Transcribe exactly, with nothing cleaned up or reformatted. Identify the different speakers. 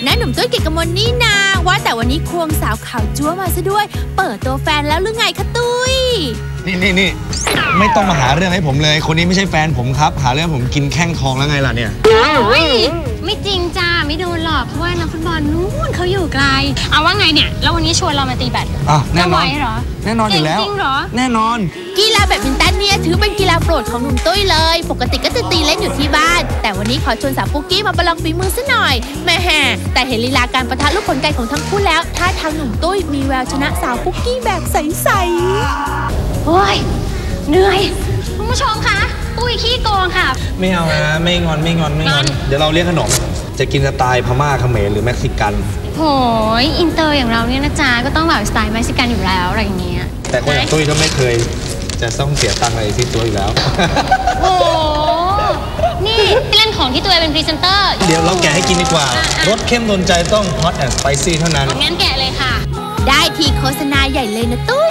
Speaker 1: น้าหนุ่มตุ้ยเกียรติกมลนี่นาว่าแต่วันนี้ควงสาวขาวจั๊วมาซะด้วยเปิดตัวแฟนแล้วหรือไงคะตุ้ย
Speaker 2: นี่นี่นี่ไม่ต้องมาหาเรื่องให้ผมเลยคนนี้ไม่ใช่แฟนผมครับหาเรื่องผมกินแข้งทองแล้วไงล่ะเนี่ย
Speaker 3: ไม่จริงจ้าไม่โดนหรอกเพราะว่านักฟุตบอลนู้นเขาอยู่ไกลเอาว่าไงเนี่ยแล้ววันนี้ชวนเรามาตีแบด
Speaker 2: อ่ะแน่นอน
Speaker 3: เหรอ
Speaker 2: แน่นอนอยู่แล้ว
Speaker 3: จริงเหรอ
Speaker 2: แน่นอน
Speaker 1: กีฬาแบดมินตันเนี่ยถือเป็นกีฬาโปรดของหนุ่มตุ้ยเลยปกติก็จะตีเล่นอยู่ที่บ้านแต่วันนี้ขอชวนสาวปุ๊กกี้มาประลองฝีมือซะหน่อยแม่แห่แต่เห็นลีลาการประทะลูกขนไก่ของทั้งคู่แล้วท่าทางหนุ่มตุ้ยมีแววชนะสาวปุ๊กกี้แบบใสๆ
Speaker 3: โอ้ยเหนื่อยคุณผู้ชมคะตุ้ยขี้โกงค่ะ
Speaker 2: ไม่เอานะไม่งอนไม่งอนไม่งอนเดี๋ยวเราเรียกขนมจะกินสไตล์พม่าเขมรหรือเม็กซิกัน
Speaker 3: โหยอินเตอร์อย่างเราเนี่ยนะจ๊ะก็ต้องแบบสไตล์เม็กซิกันอยู่แล้วอะไรอย่างเงี้ย
Speaker 2: แต่คนอย่างตุ้ยก็ไม่เคยจะต้องเสียตังค์อะไรที่ตัวอยู่แล้ว
Speaker 3: โอ้นี่เล่นของที่ตัวเป็นพรีเซนเตอร์
Speaker 2: เดี๋ยวเราแกะให้กินดีกว่ารสเข้มโดนใจต้อง hot and spicy เท่านั้น
Speaker 3: งั้นแกะเลยค่ะ
Speaker 1: ได้ทีโฆษณาใหญ่เลยนะตุ้